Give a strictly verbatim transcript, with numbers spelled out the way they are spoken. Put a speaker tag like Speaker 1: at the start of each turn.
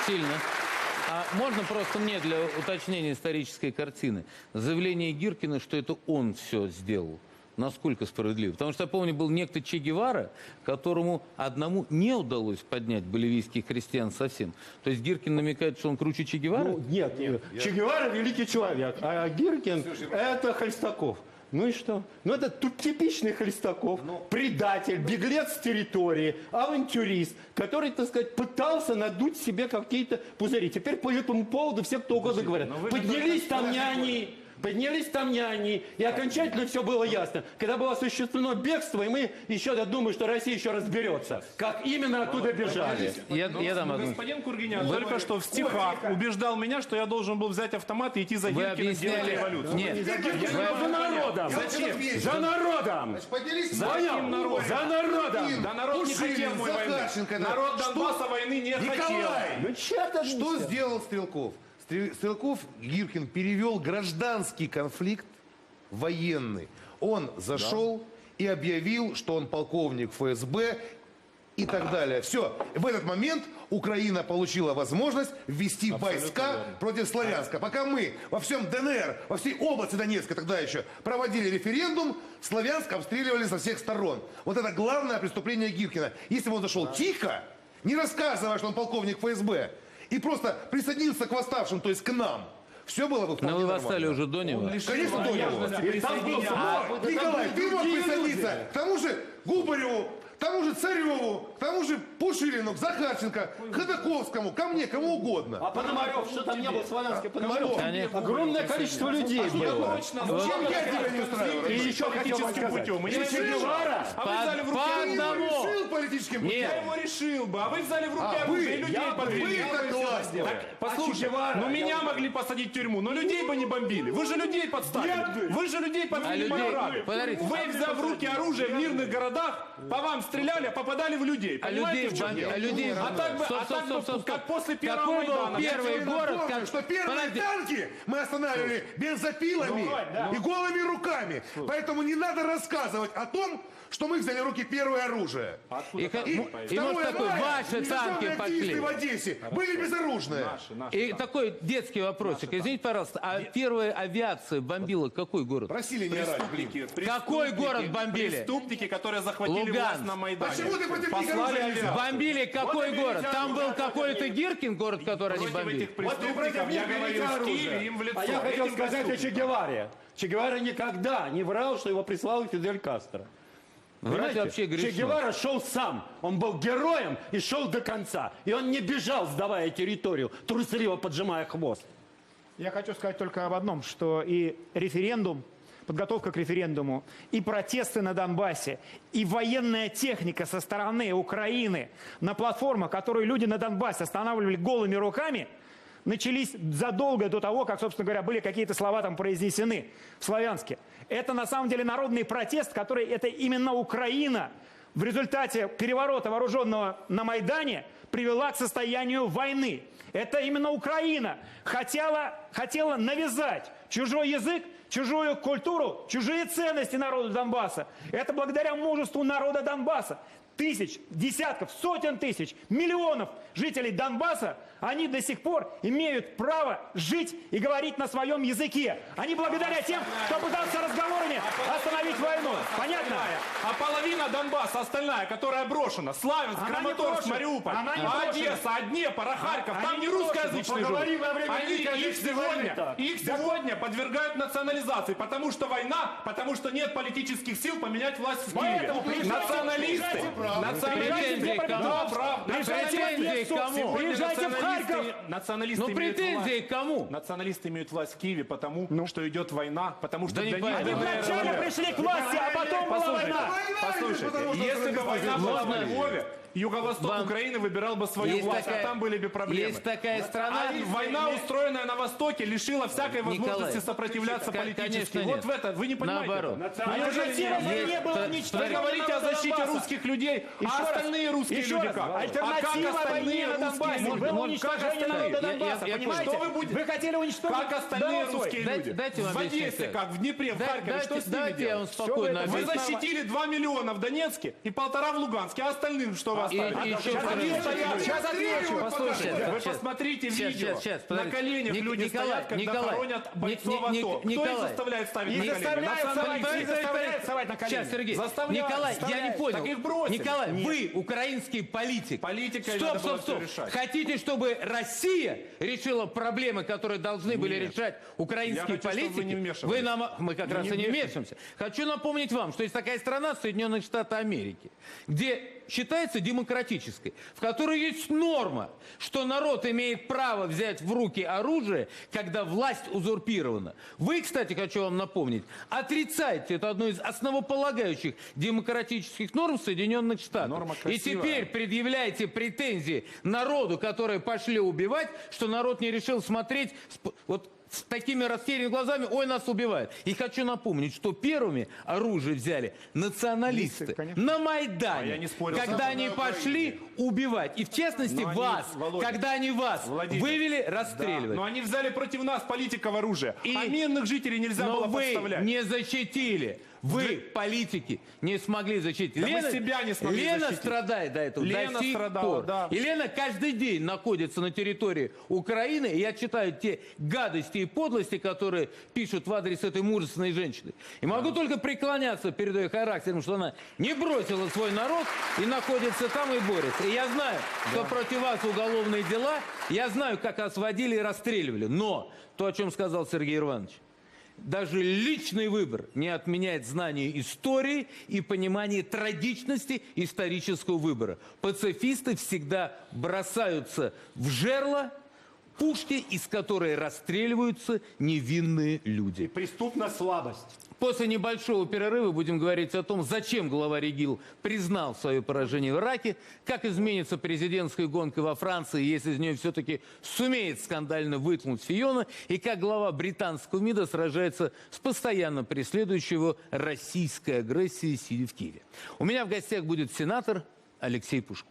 Speaker 1: сильно. А можно просто мне для уточнения исторической картины? Заявление Гиркина, что это он все сделал, насколько справедливо? Потому что я помню, был некто Че Гевара, которому одному не удалось поднять боливийских крестьян совсем. То есть Гиркин намекает, что он круче Че Гевара?
Speaker 2: Ну, нет, нет. Я... Че Гевара великий человек, а Гиркин это Хлестаков. Ну и что? Ну это тут типичный Хлестаков, ну, предатель, беглец с территории, авантюрист, который, так сказать, пытался надуть себе какие-то пузыри. Теперь по этому поводу все кто угодно говорят. Поднялись там не они. Поднялись там не они, и окончательно все было ясно. Когда было осуществлено бегство, и мы еще, я думаю, что Россия еще разберется, как именно оттуда бежали.
Speaker 3: Я, я дам одну. Господин Кургинян только что в стихах убеждал меня, что я должен был взять автомат и идти за Гиркиным делать революцию.
Speaker 1: Нет,
Speaker 2: за народом.
Speaker 3: Зачем?
Speaker 2: За народом.
Speaker 3: За каким народом?
Speaker 2: За народом.
Speaker 3: Да народ не хотел мой войны. Народ Донбасса войны не хотел.
Speaker 2: Ну черт,
Speaker 4: что сделал Стрелков? Стрелков, Гиркин перевел гражданский конфликт в военный. Он зашел да. и объявил, что он полковник эф эс бэ и так далее. Все. В этот момент Украина получила возможность ввести Абсолютно войска верно. против Славянска. Пока мы во всем дэ эн эр, во всей области Донецка тогда еще проводили референдум, Славянск обстреливали со всех сторон. Вот это главное преступление Гиркина. Если бы он зашел да. тихо, не рассказывая, что он полковник эф эс бэ, и просто присоединился к восставшим, то есть к нам. Все было бы вполне
Speaker 1: Но вы
Speaker 4: нормально.
Speaker 1: восстали уже до него.
Speaker 4: Конечно, до него. А, Николай, ты мог присоединиться к тому же Губареву, к тому же Цареву, к тому же Пушилину, к Захарченко, к Ходаковскому, ко мне, кому угодно.
Speaker 2: А Пономарев, что там не был славянский Пономарев?
Speaker 1: Конечно.
Speaker 2: Огромное количество людей было.
Speaker 3: Точно.
Speaker 4: Чем я тебя не устраиваю?
Speaker 2: И еще хотел вам сказать.
Speaker 3: Путем.
Speaker 2: Че Гевара,
Speaker 3: а вы взяли в руки
Speaker 4: Ты его решил политическим путем?
Speaker 3: Я его решил бы, а вы взяли в руки
Speaker 4: А,
Speaker 3: оружие
Speaker 4: вы,
Speaker 3: и людей подвели.
Speaker 4: Вы это классно.
Speaker 3: Послушай, ну меня могли посадить в тюрьму, но людей бы не бомбили. Вы же людей подставили. Вы же людей подвели под парады. Вы, взяв в руки оружие в мирных городах, по вам стреляли, а попадали в людей.
Speaker 1: А людей, а людей,
Speaker 3: а так бы,
Speaker 1: стоп,
Speaker 3: а так
Speaker 1: стоп,
Speaker 3: бы,
Speaker 1: стоп,
Speaker 3: как после первого
Speaker 1: Какой
Speaker 3: Майдана.
Speaker 1: был первый город,
Speaker 4: Помню,
Speaker 1: как...
Speaker 4: что первые
Speaker 1: Подожди.
Speaker 4: танки мы останавливали бензопилами
Speaker 3: Ну, да.
Speaker 4: и голыми руками. Поэтому не надо рассказывать о том, что мы взяли в руки первое оружие.
Speaker 1: И, и, и может такой, ваши танки пошли.
Speaker 4: в Одессе были безоружные.
Speaker 3: Наши, наши,
Speaker 1: И такой детский вопросик. Извините, пожалуйста, а первая авиация бомбила какой город?
Speaker 4: Просили не орать.
Speaker 3: Преступники,
Speaker 1: Какой город бомбили?
Speaker 3: Преступники, которые захватили
Speaker 1: Луганск.
Speaker 3: власть на Майдане.
Speaker 4: Почему ты против них
Speaker 3: Послали
Speaker 4: оружие
Speaker 3: авиацию.
Speaker 4: взял?
Speaker 1: Бомбили какой город? Там был какой-то Гиркин город, который они
Speaker 3: Против
Speaker 1: бомбили?
Speaker 3: этих преступников я говорил в Киеве им в лицо.
Speaker 2: А я хотел
Speaker 3: Этим
Speaker 2: сказать о Че
Speaker 3: преступникам.
Speaker 2: Геваре. Че Гевара никогда не врал, что его прислал Фидель Кастро.
Speaker 1: Врать вообще грешно.
Speaker 2: Че Гевара шел сам. Он был героем и шел до конца. И он не бежал, сдавая территорию, трусливо поджимая хвост.
Speaker 5: Я хочу сказать только об одном, что и референдум, подготовка к референдуму, и протесты на Донбассе, и военная техника со стороны Украины на платформах, которую люди на Донбассе останавливали голыми руками, начались задолго до того, как, собственно говоря, были какие-то слова там произнесены в Славянске. Это на самом деле народный протест, который это именно Украина в результате переворота вооруженного на Майдане привела к состоянию войны. Это именно Украина хотела, хотела навязать чужой язык, чужую культуру, чужие ценности народу Донбасса. Это благодаря мужеству народа Донбасса. Тысяч, десятков, сотен тысяч, миллионов жителей Донбасса, они до сих пор имеют право жить и говорить на своем языке. Они благодаря тем, кто пытался разговорами остановить войну. Понятно?
Speaker 3: А половина Донбасса, остальная, которая брошена, Славянск,
Speaker 5: Она не
Speaker 3: Краматорск,
Speaker 5: брошена.
Speaker 3: Мариуполь,
Speaker 5: Она не
Speaker 3: а
Speaker 5: брошена.
Speaker 3: Одесса, а Днепр, а Харьков,
Speaker 5: Они
Speaker 3: там не
Speaker 5: не
Speaker 3: русскоязычные
Speaker 2: Поговори
Speaker 3: живут.
Speaker 2: во время
Speaker 3: Они, их
Speaker 2: Великой
Speaker 3: сегодня,
Speaker 2: войны-то.
Speaker 3: их сегодня подвергают национализации, потому что война, потому что нет политических сил поменять власть в Киеве.
Speaker 2: Поэтому приезжайте,
Speaker 3: Националисты,
Speaker 2: приезжайте,
Speaker 3: националисты,
Speaker 1: Претензии к кому?
Speaker 3: да, правда.
Speaker 1: Претензии к кому?
Speaker 2: Приезжайте в Харьков.
Speaker 3: Националисты
Speaker 1: Ну
Speaker 3: имеют
Speaker 1: претензии
Speaker 3: власть.
Speaker 1: к кому?
Speaker 3: Националисты имеют власть в Киеве, потому что идет война, потому что
Speaker 1: Да не
Speaker 3: для них
Speaker 1: понятно.
Speaker 3: ДНР,
Speaker 2: Они вначале
Speaker 3: ЛНР.
Speaker 2: пришли к власти, а потом была
Speaker 3: Послушайте,
Speaker 2: война.
Speaker 3: послушайте, если бы война была во Львове, Юго-Восток
Speaker 1: Вам-
Speaker 3: Украины выбирал бы свою
Speaker 1: Есть
Speaker 3: власть,
Speaker 1: такая-
Speaker 3: а там были бы проблемы.
Speaker 1: Есть такая страна...
Speaker 3: А война, устроенная на Востоке, лишила всякой возможности
Speaker 1: Николай,
Speaker 3: сопротивляться
Speaker 1: к-
Speaker 3: политически.
Speaker 1: конечно,
Speaker 3: Вот
Speaker 1: нет.
Speaker 3: в это, вы не понимаете.
Speaker 1: Наоборот.
Speaker 3: этого?
Speaker 2: А
Speaker 3: Неужели
Speaker 2: альтернативы
Speaker 3: нет?
Speaker 2: не было
Speaker 1: Есть-
Speaker 2: ничего.
Speaker 3: Вы говорите о защите русских людей людей,
Speaker 5: Еще
Speaker 3: а
Speaker 5: раз,
Speaker 3: остальные русские
Speaker 5: еще
Speaker 3: люди
Speaker 5: раз,
Speaker 3: как?
Speaker 5: альтернатива
Speaker 3: а как
Speaker 5: войне
Speaker 3: остальные
Speaker 5: на
Speaker 3: русские
Speaker 5: Донбассе
Speaker 3: люди?
Speaker 5: было
Speaker 1: Можно-
Speaker 5: уничтожение
Speaker 1: можно-
Speaker 5: народа
Speaker 1: я- я-
Speaker 5: Донбасса,
Speaker 1: я
Speaker 5: понимаете?
Speaker 3: понял. Что вы будете-
Speaker 5: Вы хотели уничтожить
Speaker 3: Как остальные
Speaker 5: народ свой.
Speaker 3: русские
Speaker 1: Дайте-
Speaker 3: люди?
Speaker 1: дайте вам
Speaker 3: в
Speaker 1: объяснить,
Speaker 3: Одессе,
Speaker 1: как.
Speaker 3: как в Днепре, в
Speaker 1: Да-
Speaker 3: Харькове,
Speaker 1: дайте-
Speaker 3: что с ними
Speaker 1: дайте я вам
Speaker 3: делать?
Speaker 1: спокойно
Speaker 3: Вы
Speaker 1: объясню.
Speaker 3: защитили два миллиона в Донецке и полтора в Луганске, а остальным что вы
Speaker 1: И-
Speaker 3: оставили?
Speaker 1: и еще
Speaker 3: Сейчас
Speaker 1: раз.
Speaker 3: отвечу, сейчас отвечу.
Speaker 1: Послушайте,
Speaker 3: Вы
Speaker 1: сейчас,
Speaker 3: посмотрите
Speaker 1: сейчас,
Speaker 3: видео.
Speaker 1: сейчас, сейчас,
Speaker 3: На
Speaker 1: подождите.
Speaker 3: коленях
Speaker 1: Ник-
Speaker 3: люди
Speaker 1: Николай,
Speaker 3: стоят, когда
Speaker 1: Николай,
Speaker 3: хоронят
Speaker 1: Ни-
Speaker 3: бойцов
Speaker 1: Ни- Ни-
Speaker 3: АТО. Кто их
Speaker 1: Николай.
Speaker 3: заставляет ставить
Speaker 5: Их
Speaker 3: на колени?
Speaker 5: заставляют
Speaker 3: Национальные
Speaker 5: вставать, их
Speaker 3: политики.
Speaker 5: заставляют вставать на колени.
Speaker 1: Сейчас, Сергей.
Speaker 3: Заставляют,
Speaker 1: Николай, я не
Speaker 3: заставляют.
Speaker 1: понял.
Speaker 3: Так их бросили.
Speaker 1: Николай, вы украинский политик.
Speaker 3: Политикой
Speaker 1: стоп,
Speaker 3: надо было
Speaker 1: стоп, стоп.
Speaker 3: всё решать.
Speaker 1: Хотите, чтобы Россия решила проблемы, которые должны были
Speaker 3: Нет.
Speaker 1: решать украинские
Speaker 3: Я хочу, чтобы
Speaker 1: политики?
Speaker 3: вы не вмешивались.
Speaker 1: нам, мы как
Speaker 3: Вы
Speaker 1: раз
Speaker 3: не
Speaker 1: и не
Speaker 3: вмешивайтесь.
Speaker 1: вмешиваемся. Хочу напомнить вам, что есть такая страна, Соединенные Штаты Америки, где считается демократической, в которой есть норма, что народ имеет право взять в руки оружие, когда власть узурпирована. Вы, кстати, хочу вам напомнить, отрицаете это одно из основополагающих демократических норм Соединенных Штатов.
Speaker 3: Норма
Speaker 1: И
Speaker 3: красивая.
Speaker 1: теперь предъявляете претензии народу, которые пошли убивать, что народ не решил смотреть с- вот с такими растерянными глазами, ой, нас убивают. И хочу напомнить, что первыми оружие взяли националисты
Speaker 5: Листы, конечно.
Speaker 1: на Майдане,
Speaker 3: А я не спорил.
Speaker 1: когда
Speaker 3: Сам
Speaker 1: они
Speaker 3: на
Speaker 1: пошли убивать. И в частности
Speaker 3: Но они,
Speaker 1: вас,
Speaker 3: Володя,
Speaker 1: когда они вас
Speaker 3: Владимир,
Speaker 1: вывели
Speaker 3: Да,
Speaker 1: расстреливать.
Speaker 3: но они взяли против нас политиков оружие,
Speaker 1: И-
Speaker 3: а мирных жителей нельзя
Speaker 1: Но
Speaker 3: было
Speaker 1: вы
Speaker 3: подставлять.
Speaker 1: не защитили. Вы, политики, не смогли защитить.
Speaker 3: Да мы себя не смогли
Speaker 1: Лена
Speaker 3: защитить.
Speaker 1: страдает до этого.
Speaker 3: Лена
Speaker 1: до сих
Speaker 3: страдала,
Speaker 1: пор.
Speaker 3: да.
Speaker 1: И Лена каждый день находится на территории Украины. И я читаю те гадости и подлости, которые пишут в адрес этой мужественной женщины. И могу только преклоняться перед ее характером, что она не бросила свой народ и находится там и борется. И я знаю, что против вас уголовные дела. Я знаю, как вас водили и расстреливали. Но то, о чем сказал Сергей Иванович, даже личный выбор не отменяет знание истории и понимание трагичности исторического выбора. Пацифисты всегда бросаются в жерло пушки, из которой расстреливаются невинные люди.
Speaker 2: Преступная слабость.
Speaker 1: После небольшого перерыва будем говорить о том, зачем глава РЕГИЛ признал свое поражение в Ираке, как изменится президентская гонка во Франции, если из нее все-таки сумеет скандально вытянуть Фиона, и как глава британского МИДа сражается с постоянно преследующей его российской агрессией, сидя в Киеве. У меня в гостях будет сенатор Алексей Пушков.